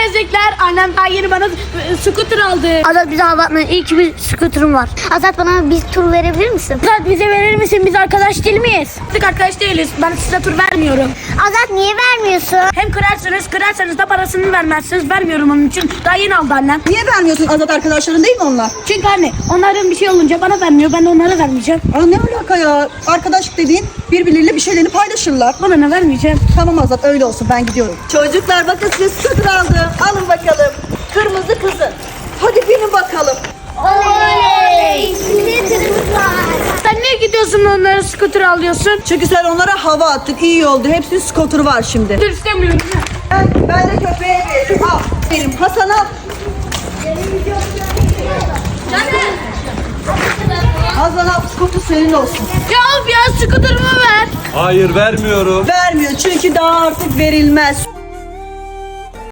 ezikler. Annem daha yeni bana scooter aldı. Azat bize aldatma. İyi ki bir scooter'ım var. Azat bana bir tur verebilir misin? Azat bize verir misin? Biz arkadaş değil miyiz? Biz arkadaş değiliz. Ben size tur vermiyorum. Azat niye vermiyorsun? Hem kırarsanız da parasını vermezsiniz. Vermiyorum onun için. Daha yeni aldı annem. Niye vermiyorsun Azat, arkadaşların değil mi onlar? Çünkü anne onların bir şey olunca bana vermiyor. Ben de onlara vermeyeceğim. Aa, ne alaka ya? Arkadaşlık dediğin birbirleriyle bir şeylerini paylaşırlar. Bana ne vermeyeceğim. Tamam Azat, öyle olsun, ben gidiyorum. Çocuklar bakın size scooter aldım. Alın bakalım. Kırmızı kızın. Hadi binin bakalım. Oley! Scooter var. Sen niye gidiyorsun onlara scooter alıyorsun? Çünkü sen onlara hava attın, iyi oldu. Hepsinin scooter'ı var şimdi. Dur istemiyorum. Ben de köpeğe veririm. Al. Benim Hasan al. Hasan al, scooter senin olsun. Ya of ya scooter'ımı ver. Hayır vermiyorum. Vermiyor çünkü daha artık verilmez.